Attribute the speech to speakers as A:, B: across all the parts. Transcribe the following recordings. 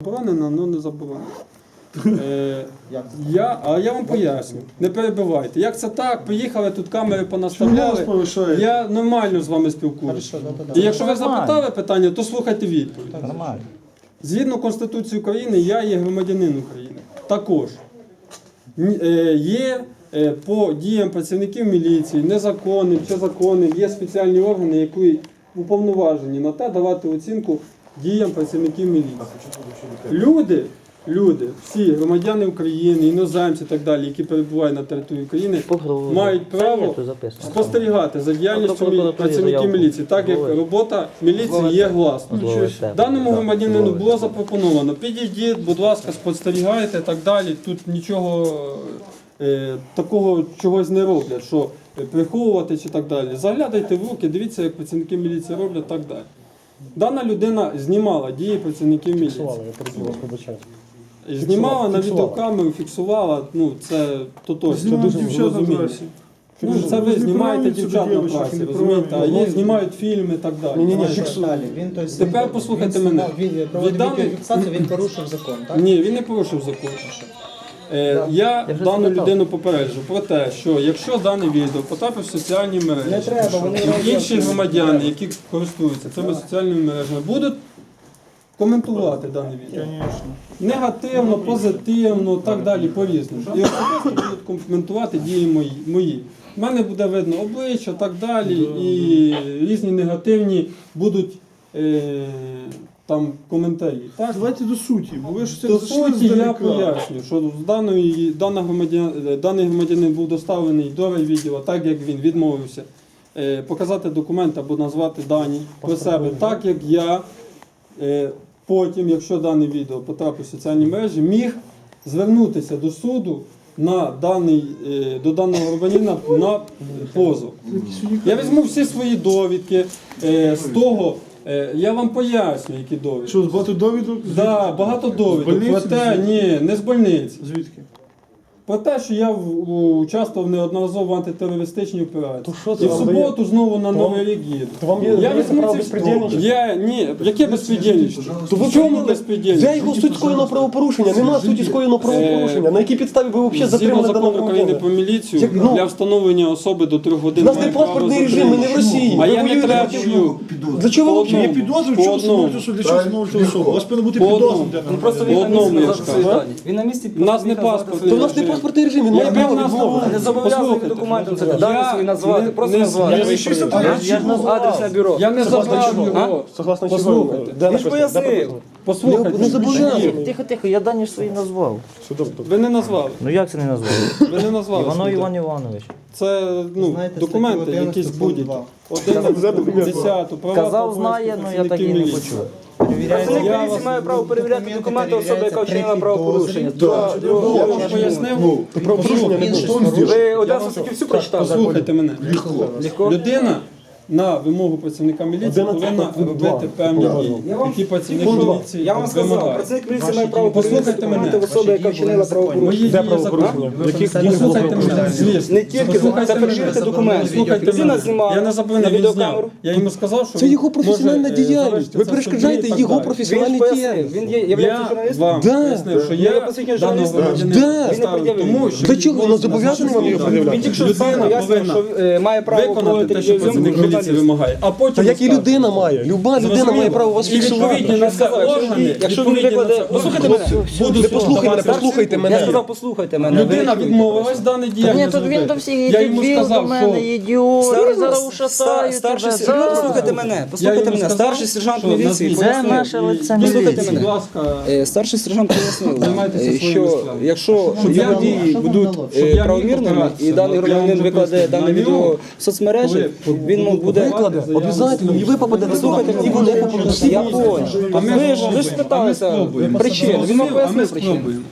A: Заборонено, але не заборонено. Я вам поясню, не перебивайте. Як це так? Поїхали, тут камери понаставляли. Я нормально з вами спілкуюся. І якщо ви запитали питання, то слухайте відповідь. Згідно Конституції України, я є громадянин України. Також є по діям працівників міліції, незаконним чи законним, є спеціальні органи, які уповноважені на те давати оцінку діям працівників міліції. Люди, всі громадяни України, іноземці і так далі, які перебувають на території України, мають право спостерігати за діяльністю працівників міліції, так як робота міліції є гласною. Даному громадянину було запропоновано, підійдіть, будь ласка, спостерігайте і так далі. Тут нічого такого чогось не роблять, що приховувати чи так далі. Заглядайте в руки, дивіться, як працівники міліції роблять і так далі. Дана людина знімала дії працівників міліції. Знімала на відеокамеру, фіксувала, ну це точно, розумієте. Ну, це ви знімаєте дівчат на праці, розумієте, а є знімають фільми і так далі. Тепер послухайте мене.
B: Він порушив закон, так?
A: Ні, він не порушив закон. Я дану людину попереджу про те, що якщо дане відео потрапить в соціальні мережі, інші громадяни, які користуються цими соціальними мережами, будуть коментувати дане відео. Негативно, позитивно, так далі, по-різному. І особисто будуть коментувати дії мої. У мене буде видно обличчя, так далі, і різні негативні будуть там коментарі. Так?
C: Давайте до суті. Бо ви ж
A: До суті я поясню, що даний громадянин був доставлений до райвідділу, так як він відмовився показати документ або назвати дані про себе, так як я потім, якщо дане відео потрапить в соціальні мережі, міг звернутися до суду до даного громадянина на позов. Я візьму всі свої довідки з того. Я вам поясню, які довідки.
C: Що, багато довідок?
A: Так, багато довідок.
C: Больниці?
A: Ні, не з больниці.
C: Звідки?
A: Про те, що я участвував неодноразово в антитерористичній операції.
D: що це
A: І в
D: вам
A: суботу знову на Новий рік їду. Я візьму ці... Ні, яке безпредельничество? В чому безпредельничество?
D: Де його суть скоєного правопорушення? Нема суті скоєного правопорушення. На якій підставі ви взагалі
A: Згідно
D: затримали даного
A: закону України про
D: громадянина?
A: міліцію, для встановлення особи до 3 годин
D: У нас не
A: має право
D: паспортний режим,
A: затримати.
D: ми не в Росії.
A: А
D: Ви
A: я не
D: воюєте
A: требую.
D: Для чого ви
A: По
D: взагалі?
C: Є підозри, в чому встановлюєте, що для чого встановлюєте особу? У вас повинно бути підозра.
A: По одному я ж кажу.
B: Він на місці
A: У нас не паспорт.
D: То в нас не паспортний режим, він має право відмовити.
B: не зобов'язаний документом це дані свої назвати, просто назвати. Адресне бюро.
A: Я не забрав його.
D: Согласно чого?
A: Послухайте.
D: Де
B: Він ж
D: написано? Де
B: пояснив.
D: написано?
A: Послухайте.
D: Не зобов'язаний.
E: Тихо, я дані ж свої назвав.
A: Ви не назвали.
E: Ну як це не назвав?
A: Ви не назвали.
E: Іванов
A: свої.
E: Іван Іванович.
A: Це документи, якісь будь-які. 11, права
E: Казав, знає, але я так і не почув.
B: Працівник міліції має право перевіряти документи особи, яка вчинила правопорушення.
A: Я вам пояснив.
B: Ви одразу таки всю прочитали?
A: Послухайте мене. Людина на вимогу працівника міліції повинна робити певні дії, які працівник міліції
B: Я вам сказав,
A: вимагає.
B: працівник міліції має право перевіряти
A: Послухайте мене.
B: документи особи, яка вчинила правопорушення.
A: Мої дії законні. Послухайте мене, звісно.
B: Не тільки це перевірити документи.
A: Послухайте
B: Людина
A: мене.
B: знімала
A: Я не заборонив,
B: на
A: він зняв.
B: відеокамеру.
A: Я йому сказав, що
D: Це його
A: він
D: професіональна
A: може,
D: діяльність.
A: завершити
D: Ви
A: це
D: перешкоджаєте
A: в суді і
D: його
A: так далі.
D: професіональній
B: Він пояснив,
D: діяльності.
B: він є
A: Я
B: журналістом.
A: вам
D: Да.
A: пояснив, що
B: Я
A: я
B: посвідчений
A: даного
B: журналіст.
A: громадянина
D: Да.
A: поставив тому, що
D: Для чого?
A: він
D: Воно зобов'язаний вам його пред'являти?
B: Він тільки що
A: Людина
B: сам пояснив,
A: повинна
B: що має право
A: виконати
B: проводити
A: те, що працівник міліції
B: журналіст.
A: вимагає. А потім
D: Та як і
A: розказувати.
D: людина має. Люба людина
A: Зрозуміло.
D: має право вас
A: І відповідні
D: фіксувати.
A: на це органи,
B: Якщо він
A: відповідні на
B: викладе,
A: це
B: послухайте
A: органи
B: мене.
A: будуть
D: Не послухайте мене,
A: давати
D: послухайте
A: оцінку.
B: Я
D: мене.
B: сказав, послухайте мене.
A: Людина відмовилась даний
E: Ні,
A: діяльність
E: тут він
A: зробити.
E: до всіх
A: Я
E: йде
A: йому
E: біл до
A: сказав,
E: мене,
A: що
E: ідіот, я зараз ушатаю
B: Старший
E: тебе.
B: сержант,
E: Да.
B: послухайте мене,
A: Я
B: послухайте
A: йому
B: мене,
A: сказав,
B: старший сержант
A: що
B: міліції
A: назвіть.
E: Це
B: пояснив.
E: наше лице
B: Послухайте
E: міліції.
A: Будь
B: мене.
A: ласка,
B: Старший сержант пояснив,
A: Займайтеся своїми
B: що
A: справами.
B: якщо
A: я
B: його
A: мог-
B: дії будуть
A: щоб я міг
B: правомірними,
A: опиратися,
B: і даний
A: я
B: громадянин
A: вам вже
B: викладе
A: пояснив,
B: дане
A: на
B: відео
A: нього,
B: в соцмережі, він
A: буду
B: буде...
D: Викладе, обов'язково, і ви попадете
B: Послухайте
D: туди, і
B: мене.
D: вони попадуть всі.
B: Я понял.
A: А ми
B: Ви ж
A: спробуємо.
B: спиталися
A: спробуємо.
B: причин, він вам
A: А ми
B: пояснив причини.
A: спробуємо.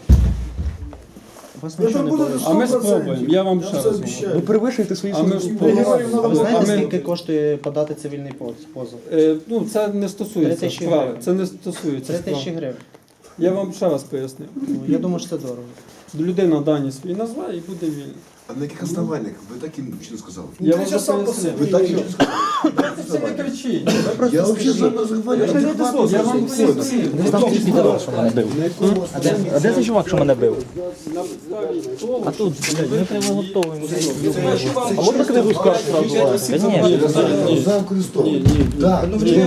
A: А ми спробуємо, я вам ще раз говорю.
D: Ви перевищуєте свої
A: А ми ж
D: службові
A: спробуємо.
B: А
F: Ви знаєте,
A: А ми-
F: скільки коштує подати цивільний позов?
A: Ну, це не стосується
F: 3000
A: справи.
F: гривень.
A: Це не стосується
F: 3 тисячі
A: справи.
F: гривень.
A: Я вам ще раз поясню.
F: Ну, я думаю, що це дорого.
A: Людина дані свої назве і буде вільна.
G: А на яких основаннях? Ви так і нічого не сказали.
A: Я вам
C: Ти сам
A: пояснив.
G: Ви так і нічого не сказали.
A: Це не кричіть.
G: Я взагалі за розговорю.
A: Я вам пояснив.
E: Десь там ті підарас, що мене бив. А де цей чувак, що мене бив?
A: На підставі того,
E: А тут, блядь, ми прямо готові.
D: А можна книгу скарг сразу?
E: Конечно.
G: Зам Христов. Так.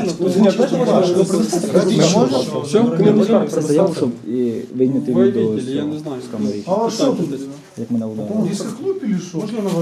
E: Книгу скарг писати заяву, щоб і вийняти
A: ви
E: відео
A: видели, я не знаю.
E: з камери.
C: А що тут?
E: Як мене ударили.
C: Дискоклуб или що?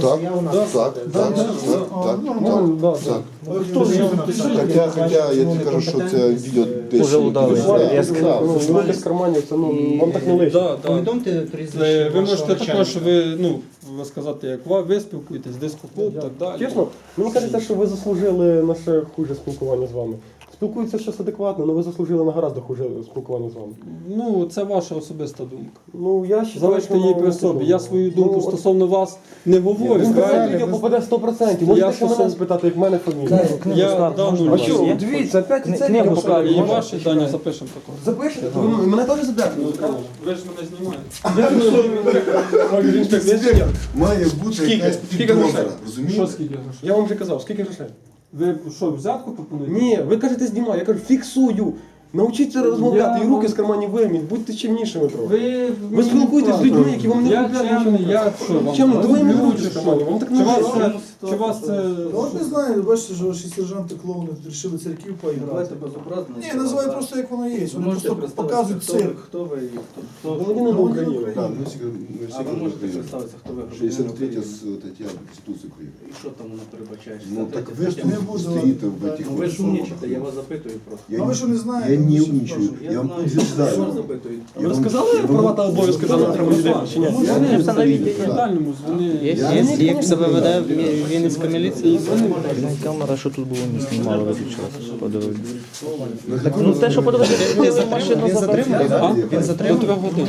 G: Так.
C: Хто ж його
G: Хоча я тобі кажу, що це відео десь.
E: Уже удали.
D: Ну, без карманів, це, ну, вам так не лише.
A: Да, да.
F: Повідомте прізвище.
A: Ви можете
F: вашого
A: також,
F: начальника.
A: ви сказати, як ви спілкуєтесь, дискоклуб, так далі.
D: Чесно, мені кажеться, що ви заслужили на ще хуже спілкування з вами. Спілкуються щось адекватно, але ви заслужили на гораздо хуже спілкування з вами.
A: Ну, це ваша особиста думка.
D: Ну, я ще
A: Залиште її при собі. Я свою думку стосовно вас не говорю.
D: Це
A: правильно?
D: відео попаде 100%. Можете ще мене спитати, як в мене фамілія.
A: Я дану
D: А що, дивіться, опять і це
E: Книгу
D: відео
E: скарг
D: покажу.
A: і ваші дані запишемо також.
D: Запишете? То ви мене теж заберете?
A: Ви ж мене знімаєте.
G: Має бути якась підозра,
A: Що
G: розумієте?
A: скільки грошей?
D: Я вам вже казав, скільки грошей?
A: Ви що, взятку пропонуєте?
D: Ні, ви кажете знімай, я кажу фіксую. Навчіться розмовляти і руки з карманів вийміть, будьте чимнішими трохи. Ви спілкуєтесь з людьми, які вам не
A: Я
D: купляють
A: чемний,
D: нічого.
A: я що вам?
D: Чемний, то ви їм
A: люблю,
D: руки з
A: чи що?
D: карманів, вам так
A: Чи
D: не
A: вас
D: можна.
A: це, чи вас це...
C: От не знаю, бачите, що ваші сержанти клоуни вирішили церквів поіграти. Ні, називай просто як воно є. Вони просто показують цирк.
H: Хто ви і хто?
D: Громадянин України.
G: Так, ми всі
H: А ви можете
G: говоримо.
H: представитися, хто ви?
G: 63 стаття Конституції України.
H: І що там вона передбачає?
G: Ну так ви ж
C: Не буду.
G: тут стоїте в этих
H: Ну ви ж умнічите, я вас запитую просто.
C: А ви що не знаєте?
G: Я не умничаю, я вам
H: знаю, я
G: утверждаю.
H: вас запитую.
D: Ви розказали права та обов'язки жанра людини, чи ні?
A: Я не в дальньому дзвони.
F: Як себе веде Вінницька міліція?
E: Камера, що тут було, не знімала, виключилася. Подивилися. Ну те, що подивилися, ви машину
F: Він затриманий, так? Він
A: До
F: затриманий?
A: 3 годин.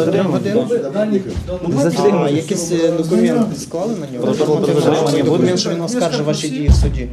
F: А якийсь документ склали на нього? Він що він оскаржив ваші дії в суді.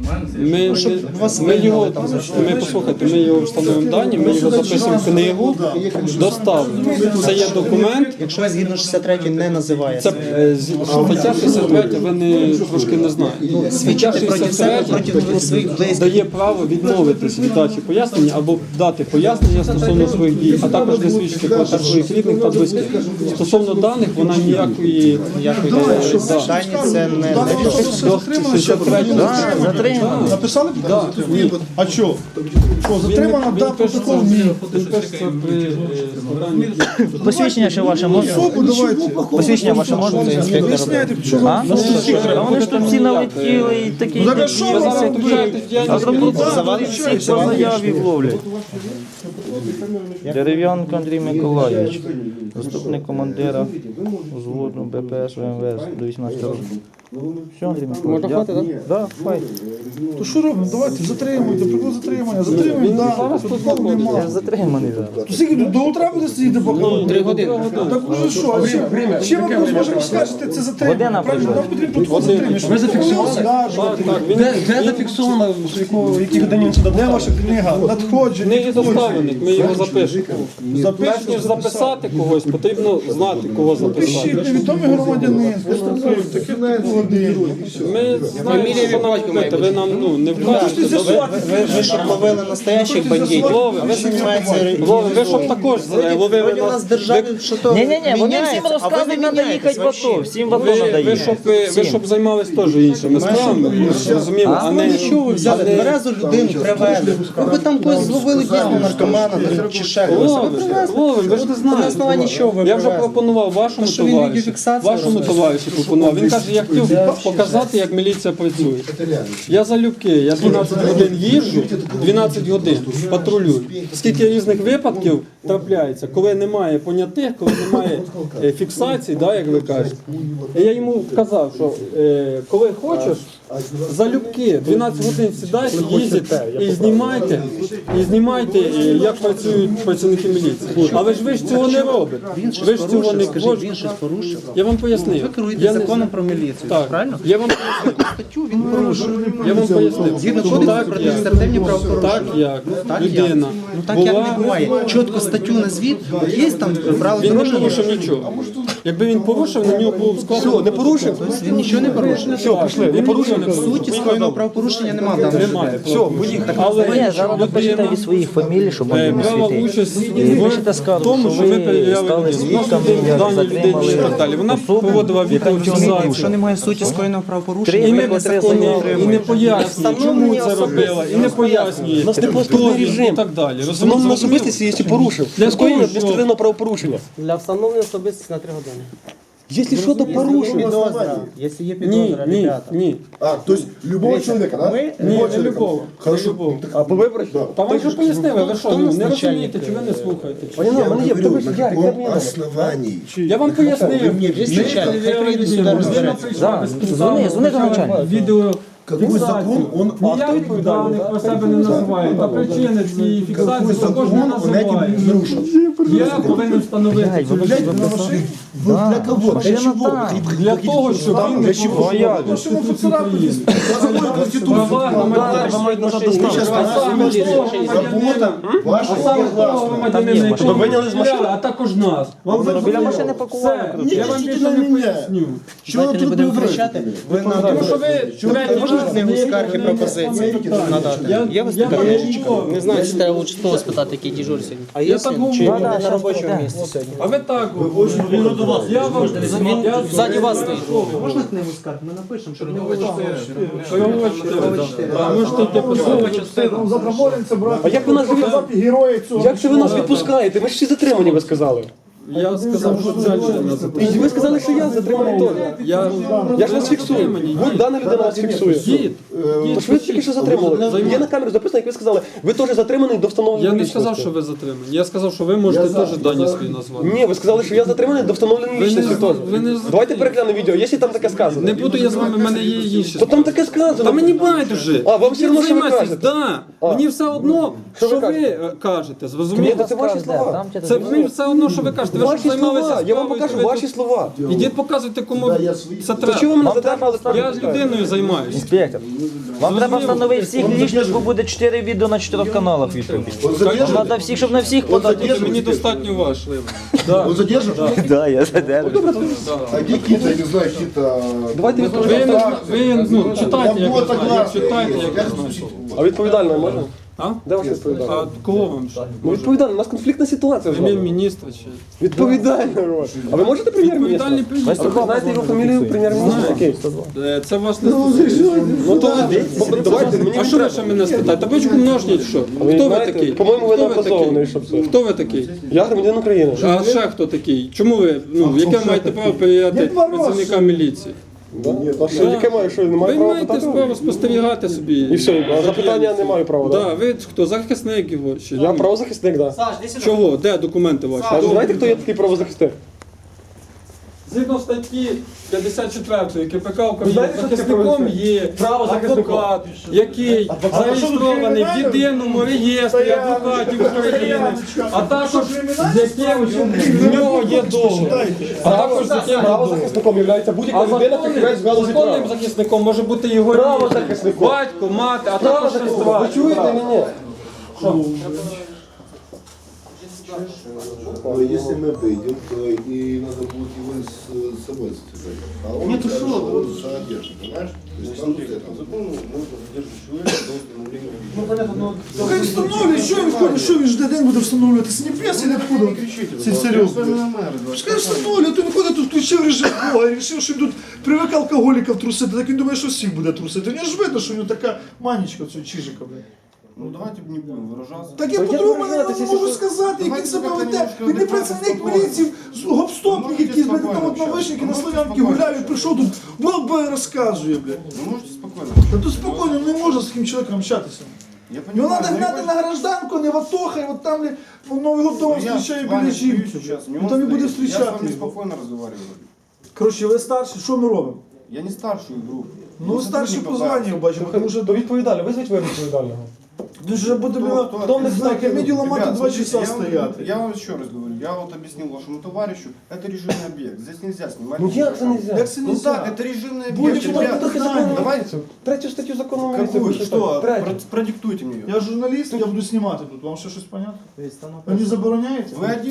A: Ми послухайте, ми його встановимо дані, ми його записуємо в книгу, доставимо. Це є документ.
F: Якщо ви згідно 63 не називаєте.
A: Це стаття 63, ви трошки не знаєте. Стаття
F: Проти себе,
A: 63
F: проти своїх близьких.
A: дає право відмовитися від дачі пояснення або дати пояснення стосовно своїх дій, а також не свідчити проти своїх рідних та близьких. Стосовно даних, вона ніякої
F: Дані це не
A: до 63
E: затримано.
C: Написали підозру? А що? Що, затримано, да, протокол? Ні.
A: Він пишеться при складанні.
E: Посвідчення ще ваше можна?
C: Особу давайте.
E: Посвідчення ваше можна? Це інспектор.
C: Виясняйте, що
E: А? А вони ж тут всі налетіли і такі
C: Ну, так а що ви
E: дебіли
C: зараз
E: сидять. А зробіть всіх по заяві вловлять. Дерев'янко Андрій Миколайович, заступник командира взводу БПС ВМВС до 18 років. Все, Андрій Миколайович. Можна хватить, так? Так, хватить.
C: То що робимо? Давайте, затримуйте, прикол затримання. Затримуємо, да. Протоколу
E: Я
C: нема.
E: ж затриманий зараз.
C: То скільки до утра буде сидіти поки?
F: 3 години.
C: Так уже що? А чим ми можемо скажете, це затримання?
E: Година
C: Правильно,
E: пройшла.
C: нам потрібно протокол затримання. Ви зафіксували?
D: Де зафіксовано, в якій годині він сюди
C: Де ваша книга? Надходження.
A: Книги доставлених, ми його запишемо. Перш ніж записати когось, потрібно знати, кого
C: Пишіть,
A: записати.
C: невідомий громадянин, поступив, таке годину.
A: Ми знаємо, що нам робити, ви нам не вкажете.
F: Ви щоб ловили настоящих бандитів. Ви займаєтеся...
A: Ви щоб також ловили
F: Вроді у нас
A: нас.
F: державі, що то
E: Ні-ні-ні, вони всім
F: міняється, а ви
E: розказують,
F: не
E: треба
F: міняєтесь
E: їхати в АТо,
F: вообще.
E: всім в АТо
A: Ви
E: треба їхати.
A: щоб займались теж іншими справами, розуміємо, а не
F: Що ви взяли? Тверезу людину привезли. Ви там когось зловили дійсно наркомана чи ще когось. Ви привезли.
A: Ловим, ви ж не
F: На основанні
A: знаєте.
F: чого ви
A: Я вже
F: привезли?
A: пропонував вашому
F: що він
A: товаришу,
F: відеофіксацію
A: вашому
F: робить?
A: товаришу пропонував. Він каже, я хотів показати, як міліція працює. Я залюбки, я 12 годин їжджу, 12 годин патрулюю. Скільки різних випадків трапляється, коли немає понятих, коли немає фіксацій, да, як ви кажете. І я йому казав, що коли хочеш, залюбки 12 годин сідайте, їздите і знімайте, як працюють працівники міліції. Але ж ви ж цього не робите. Ви ж цього не
F: Скажіть, він щось порушив.
A: Я вам пояснив.
F: Ви керуєте
A: Я не-
F: законом про міліцію,
A: Так,
F: правильно?
A: я вам пояснив.
F: Статтю він порушив.
A: Я вам пояснив.
F: Згідно
A: Так,
F: кодексу про адміністративні
A: так
F: правопорушення.
A: як
F: Так
A: людина
F: Ну так як не буває. Чітко статтю назвіть, от є там правила
A: він не
F: дорожнього
A: порушив нічого. Якби він порушив, на нього було б складно.
D: Все, не порушив?
F: Він нічого не порушив.
D: Все, пішли, не порушив.
F: В суті скоєного правопорушення немає.
A: Немає.
D: Все, поїхали.
A: Але
E: Ні, зараз напишете від своїх фамілій, щоб можна не
A: брала
E: світити.
A: участь
E: І пишете
A: в
E: скаргу,
A: тому,
E: що
A: що ви
E: ви
A: перевіряли
E: стали свідками, як
A: дані людини і
E: затримали
A: так далі. Вона
E: особу,
A: проводила
E: яка
A: відеофіксацію.
F: Якщо немає суті скоєного правопорушення,
A: І
E: Три
A: не
E: викликали
A: і не пояснює, чому це робила, і не пояснює,
D: У нас не
A: хто
D: поступний
A: він
D: режим.
A: і так далі.
D: Встановлено особистості, якщо порушив.
A: Для
D: Скоєння
A: того, що-
D: адміністративного правопорушення.
B: Для встановлення особистості на 3 години.
D: Якщо що, то порушив.
B: Якщо є
A: Ні, ні.
G: А, то есть любого человека, да?
A: Ні,
G: Любого
A: не
G: человека.
A: любого.
G: Хорошо.
A: Не любого.
D: А по виборах?
A: Та вам вже пояснили, ви що, не розумієте, чи ви не слухаєте? чи-
D: Пані, в мене є, в тебе ж
G: на
D: Ярик,
G: каком
D: терміново.
G: основании?
A: Я вам пояснив.
F: Є начальник, хай приїде сюди розбереться.
E: Дзвони до начальника.
A: Відео.
G: Какой закон он...
A: Ніяких даних про себе не називає. Та причини цієї
G: Какой
A: фіксації також не
G: закон он этим
A: називає.
G: нарушил?
A: Я повинен встановити цю
G: Блядь,
A: людину.
G: на машине? Вы для кого? Для
E: машина
G: чего?
E: там.
A: Для того, щоб він не порушував Конституцію України. Права громадянина. А саме того громадянина,
G: Ваша
A: а саме того громадянина, якого ви
D: виняли з машини.
A: стріляли, а також нас. Вам
E: Біля
A: зрозуміло?
E: машини пакували.
A: Все, я вам більше не поясню.
F: Давайте не будемо кричати. Ви
A: Тому
F: надо
A: що ви третій
F: можна
A: раз
F: книгу
A: не-
F: скарг і
A: не-
F: пропозицій надати? Є у вас така книжечка?
B: Не знаю, чи треба участково спитати, який дежур сьогодні. А
A: Я так говорю.
B: на робочому місці сьогодні?
A: А ви так говорите. Я вам я
B: Ззаді вас стоїть.
F: Можна книгу скарг? Ми напишемо, що
A: А можете йти писати.
C: Завтра молимося, брати.
D: А як ви нас
C: герої цього?
D: Як це ви нас відпускаєте? Ми ж всі затримані, ви сказали.
A: Я сказав, що це не
D: І ви сказали, що я затриманий теж. Я ж вас фіксую. Будь дана людина вас фіксує.
A: Дід,
D: Тож ви тільки що затримали. Є на камеру записано, як ви сказали, ви теж затриманий до встановлення
A: я не
D: лічності.
A: сказав, що ви затримані. Я сказав, що ви можете теж дані свої назвати.
D: Ні, ви сказали, що я затриманий до встановлення
A: Ви не-
D: лічності теж.
A: ви не-
D: Давайте переглянемо відео, якщо там таке сказано.
A: Не буду я з вами, в мене є інші.
D: То там таке сказано.
A: Та мені байдуже.
D: А, вам все одно, що ви
A: Займайтесь,
D: кажете?
A: да. Мені все одно,
D: Що ви
A: що ви
D: кажете?
A: кажете,
D: Ні,
A: зрозумієте?
D: це ваші слова.
A: Це мені все одно, що ви кажете. Ви ж
D: Ваші
A: займалися
D: слова. Я вам
A: справою,
D: покажу
A: ви
D: ваші
A: тут-
D: слова.
A: Ідіть показуйте, кому це
D: То чого ви
A: треба.
D: мене затримали?
A: Я з людиною займаюся.
E: Інспектор, вам треба встановити всіх лічних, бо буде 4 відео на 4 каналах в Ютубі. Вам треба всіх, щоб на всіх подати.
A: Мені достатньо ваш.
G: Он задержан?
E: Да, я задержу.
G: А какие-то, я не знаю, какие-то...
D: Давайте
A: Ви, ну, читайте, як ви знаєте. Читайте, як ви знаєте.
D: А відповідально можна?
A: А?
D: Де ваш відповідальний?
A: А кого вам?
D: Ну відповідально, у нас конфліктна ситуація з вами.
A: Прем'єр-міністр чи?
D: Відповідально, Рот. А ви можете прем'єр-міністра?
A: Відповідальний
D: А
A: прем'єр.
D: ви знаєте його фамілію прем'єр-міністра? Окей.
A: Це вас не стосується.
D: Ну то давайте, мені
A: А що ви ще мене спитаєте? Табличку множніть, що?
D: Ви
A: Хто ви
D: знаєте,
A: такий?
D: по-моєму, ви
A: Хто
D: не образований,
A: такий?
D: щоб це.
A: Хто ви такий?
D: Я громадянин України.
A: А ще хто такий? Чому ви, ну, яке маєте право перевіряти працівника міліції?
D: Ні, а що, яке маю, що, не маю
A: Ви
D: права
A: маєте
D: питати?
A: право спостерігати собі.
D: І все, а запитання не маю права, так?
A: Так, ви хто? Захисник його? Чи?
D: Я правозахисник, так.
A: Чого? Де документи ваші?
D: А ви знаєте, хто є такий правозахисник?
A: Згідно статті 54 КПК України,
D: знаєте, що таке
A: захисником
D: правозахисник?
A: є
D: Правозахисником.
A: адвокат, який зареєстрований в єдиному реєстрі адвокатів України, а також з яким в нього є договір. А також з яким є договір.
D: Правозахисником є
A: А
D: будь-яка людина, фахівець в галузі
A: законним
D: права.
A: захисником може бути його рідний,
D: Правозахисником.
A: батько, мати, а також сестра.
D: Ви чуєте мене?
G: Но если мы выйдем, то и надо будет его с собой связать. А он
H: Нет,
G: скажет,
H: что
G: что
H: вы?
G: он задержан, понимаешь? То есть там вот это.
H: Закону можна задержати чоловіка до встановлення.
A: Ну, понятно, ну,
C: Хай встановлює, що він ходить, що він ж день буде встановлювати? З небес і не откуда? Це серйозно. Пускай встановлює, то він ходить, тут включив режим Бога і вирішив, що він тут привик алкоголіків трусити, так він думає, що всіх буде трусити. Мені ж видно, що в нього така манічка цього чижика, блядь.
H: Ну давайте не будемо виражатися.
C: Так я по-другому не можу сказати, як він себе веде. Він не працівник міліції, гопстопник якийсь, блядь, там от на вишники, на Слов'янки гуляють, прийшов тут, баба розказує, блядь.
H: Ви можете спокійно.
C: Та тут спокійно, не можна з таким чоловіком общатися.
H: Я
C: Його
H: понимаю,
C: треба гнати на гражданку, не в АТО, хай от там, блядь, Новий год дома зустрічає біля жінки. Він там і буде
H: Я с
C: зустрічати.
H: вами спокойно разговариваю.
C: Коротше, ви старші, що ми робимо?
H: Я не старший группу.
C: Ну, старші по званню бачимо, тому що
D: До відповідального, визвіть ви відповідального.
C: дуже буде,
H: Кто
C: не знаю, комедію ламати
H: Ребят,
C: 2
H: смотрите,
C: часа
H: я
C: стояти.
H: Я вам еще раз говорю, я вот объяснил вашему товарищу, это режимный объект, здесь нельзя снимать.
D: Ну як це нельзя?
C: Як це
H: Ну
C: нельзя?
H: так, это режимный
C: Будете
H: объект.
C: мать
H: ребят.
C: водохранение.
H: Давайте,
D: Третю статтю закону міліції.
H: какую,
D: ви
H: что?
D: Третю.
H: Продиктуйте мне ее.
C: Я журналіст, я буду знімати тут. Вам ще щось понятно? Ви не забороняєте?
H: Вы один?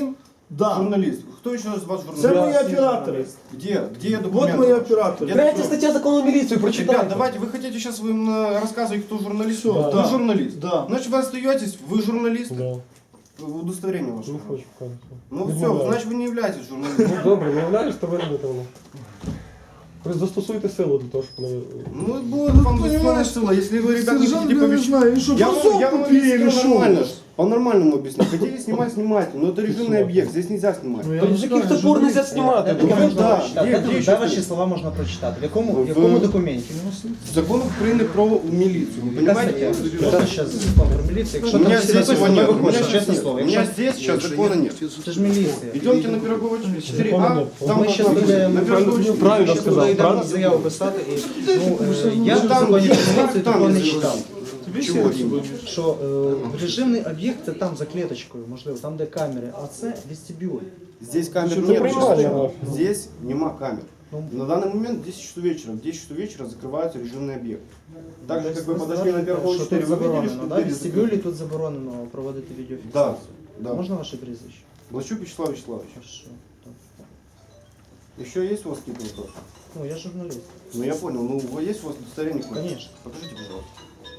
C: Да.
H: Журналист. Кто еще из вас
C: Це
H: журналист?
C: мої оператори.
H: Где
C: Вот
H: документы?
C: мої оператори.
H: Где
D: Третя
H: документы?
D: стаття закону міліції,
H: Ребят,
D: прочитайте.
H: давайте, вы хотите сейчас вы им рассказывать, кто журналист?
C: Всё,
H: Вы
C: да.
H: журналист?
C: Да.
H: Значит, вы остаетесь, вы журналист?
A: Да.
H: Удостоверение ваше.
A: Не хочу, конечно.
H: Ну все, значит, вы не являетесь журналистом.
A: Ну добре, виявляєш, то виробити воно. Ви застосуйте силу для того, щоб не...
H: Ну, будет вам
C: понимаешь,
H: сила, если вы, ребята, не
C: Сержант,
H: хотите
C: я не
H: побежать.
C: знаю, він що,
H: Я
C: брусок
H: вам
C: купили или
H: объяснил
C: що?
H: нормально. По-нормальному объясню. Хотите снимать, снимайте. Но это режимный объект, здесь нельзя снимать.
C: Ну, я
D: Та
C: не
D: з
C: знаю,
D: яких топор нельзя знімати?
F: Де
H: Ну,
F: можна
H: да,
F: прочитати?
H: є,
F: Де
H: є,
F: де
H: що
F: ваші
H: ти?
F: слова можна прочитати? В якому,
H: В-
F: в якому документі?
H: Закон Украины про милицию. Вы
F: Яка
H: понимаете?
F: стаття? Що зараз закон про міліцію? Якщо
H: У
F: там
H: меня
F: всі
H: здесь его
F: написано,
H: нет.
F: ми
H: У меня
F: виходимо,
H: сейчас
F: чесне
H: нет.
F: слово.
H: У меня
F: Якщо
H: здесь сейчас закона нет.
F: це ж міліція.
H: Идемте на Пирогово 4А, там
F: Ми ще
H: должна быть
F: будемо
H: на Пирогово 4.
A: Правильно
F: ще
A: сказав,
F: туди йдемо
A: правильно?
F: заяву писати. І, я
H: Ну,
F: в
H: там
F: законі
H: є,
F: про міліцію
H: там
F: такого
H: є
F: не
H: закон.
F: читав.
H: Чего?
F: Що режимний об'єкт це там за клеточкою, можливо, там де камери, а це вестибюль.
H: Здесь камер
A: Что-то
H: нет.
A: принимали,
H: честно.
A: да.
H: Здесь нема камер.
F: Ну.
H: На данный момент 10 часов вечера. В 10 часов вечера закрывается режимный объект. Так же, как вы подошли на Пирогово
F: Що
H: 4,
F: тут
H: вы видели,
F: заборонено,
H: что
F: да?
H: двери
F: В вестибюлі
H: закрыты?
F: тут заборонено проводити
H: Да,
F: відеофіксацію.
H: да.
F: Можна ваше прізвище?
H: Блащук Вячеслав Вячеславович.
F: Хорошо. Так.
H: Еще есть у вас какие-то вопросы?
F: Ну, я журналіст.
H: Ну я понял. Ну есть у вас удостоверение?
F: Конечно.
H: Покажите, пожалуйста.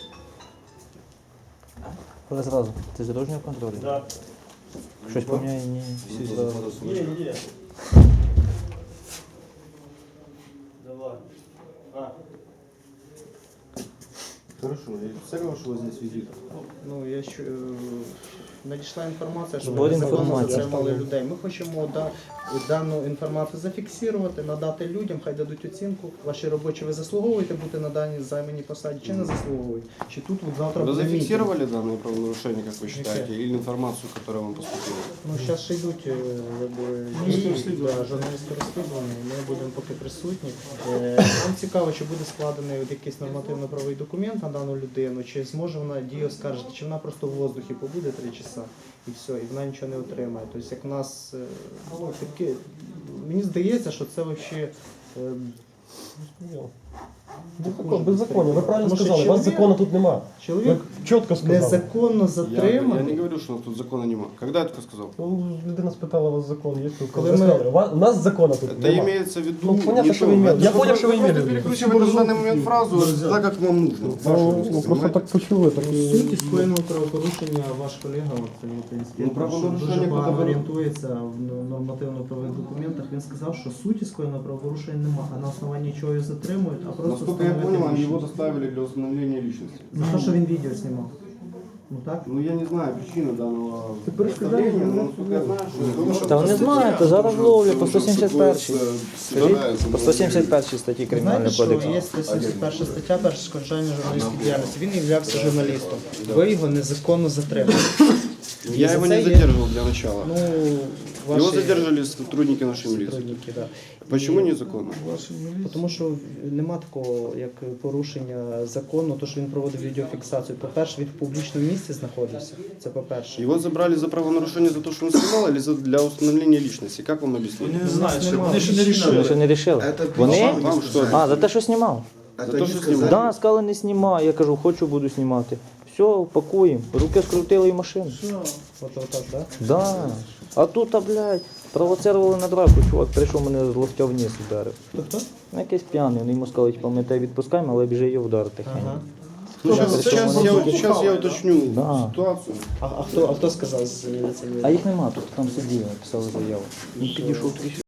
E: Але зразу. Ти з дорожнього контролю? Так. Щось поміняє, ні. Всі зразу.
H: Хорошо, я цель вашего здесь визита.
F: Ну, я ще, надійшла інформація, що
E: Збор
F: ви незаконно
E: інформації.
F: затримали людей. Ми хочемо дану інформацію зафіксувати, надати людям, хай дадуть оцінку. Ваші робочі ви заслуговуєте бути на даній займаній посаді чи не заслуговуєте? Чи тут от завтра
H: Вы
F: буде мітинг?
H: зафиксировали данное правонарушение, как вы считаете, или информацию, которая вам поступила?
F: Ну, зараз ще йдуть дії, журналістське розслідування, ми будемо поки присутні. Нам цікаво, чи буде складений от якийсь нормативно-правовий документ на дану людину, чи зможе вона дію оскаржити, чи вона просто в воздухі побуде 3 часа і все, і вона нічого не отримає. Тобто, як в нас таке, мені здається, що це взагалі.
D: Беззаконня, ви правильно
F: Тому що
D: сказали, у вас
F: чоловік-
D: закону тут нема.
F: Чоловік
D: Ви чітко сказали.
F: незаконно
H: Я
F: затриманий.
H: не говорю, что у нас тут закона нема. Когда я это сказал?
D: Ну, людина спитала, у вас закон є тут.
F: Коли
D: Ви
F: ми-
D: сказали, у нас закону тут
H: Это
D: нема.
H: имеется в виду...
D: Ну, понятно,
H: не
D: что
H: то.
D: вы имели.
H: Это
D: Я
H: вы
D: понял, что вы
H: просто
D: имели в виду.
H: перекручиваете на данный момент фразу так, как вам нужно. Вашу
A: Ну,
H: мысль,
A: просто
H: понимаете?
A: так почули, так і...
F: Суті скоєного правопорушення ваш колега,
H: Ну, правопорушення
F: дуже багато
H: буде-
F: орієнтується в нормативно-правових документах. Він сказав, що суті скоєного правопорушення немає, а на основанні чого його затримують, а просто
H: Насколько я
F: встановити
H: понял, они его
F: лічність.
H: доставили для установления личности.
F: За те, що він відео знімав. Ну так?
H: Ну, я не знаю причины данного
A: перешкоджаєш,
H: доставления, но
A: ну,
H: насколько я знаю, что...
E: Та вони знають, зараз ловлять по 171-й. Скажіть, по 171-й статті
F: Ви
E: Кримінального
F: знаєте, що
E: кодексу.
F: є 171 стаття перешкоджання журналістської діяльності. Він є журналістом. Ви його незаконно затримали.
H: Я
F: за
H: его
F: це
H: не
F: є-
H: задерживал для начала.
F: Ну,
H: Его
F: ваші
H: задержали сотрудники нашей милиции.
F: сотрудники, да.
H: Почему незаконно?
F: Тому що нема такого, як порушення закону, то що він проводив відеофіксацію. По-перше, він в публічному місці знаходився. Це по-перше.
H: Его забрали за правонарушение за то, что он снимал, или для установления личности? Как вам объяснить?
C: Не знаю,
F: Нема.
C: вони ще не
E: Вони
C: рішили.
E: ще не рішили. Вони?
H: Вам что?
E: А, за те, що знімав.
H: За то, что снимал?
E: Да, сказали, не знімай. Я кажу, хочу, буду знімати. Все, пакуємо. Руки скрутили і машину.
F: От так, да?
E: Да. А тут, блядь, провоцировали на драку. Чувак прийшов, мене з локтя вниз ударив.
F: Хто?
E: Ну, якийсь п'яний. Вони йому сказали, типу, ми тебе відпускаємо, але біжи його вдарити.
F: Ага.
H: Ну,
E: Причем
H: сейчас я уточню
E: Да.
H: ситуацию.
F: А хто сказав з міліції?
E: А їх нема тут, там сиділи, написали заяву. Він підійшов трішки.